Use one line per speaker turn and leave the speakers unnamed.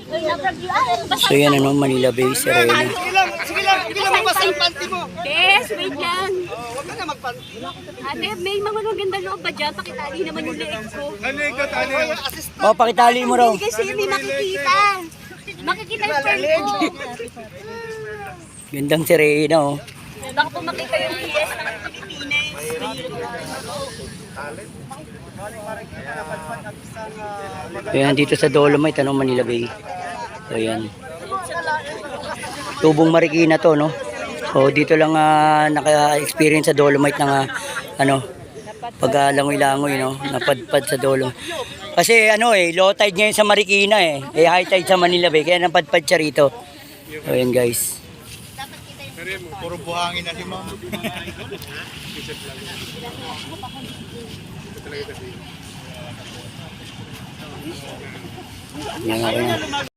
So yan ano, Manila Bay, Serena.
Sige lang, mabasa yung panty mo.
Yes, wait lang.
Huwag ka na magpanty.
Ate, may mga maganda loob ba dyan? Pakitali naman yung leeg ko.
O, pakitali mo raw.
Kasi may makikita. Makikita yung friend ko.
Gandang Serena, oh.
Baka po makita yung PS ng Pilipinas.
Ayan, dito sa Dolomite, ano, Manila Bay. So, ayan. Tubong Marikina to, no? So, dito lang naka-experience sa Dolomite ng, pag-langoy-langoy, no? Napadpad sa Dolomite. Kasi, low tide ngayon sa Marikina, eh. High tide sa Manila Bay. Kaya napadpad siya rito. So, ayan, guys.
Puro buhangin na si ma'am.
Yan,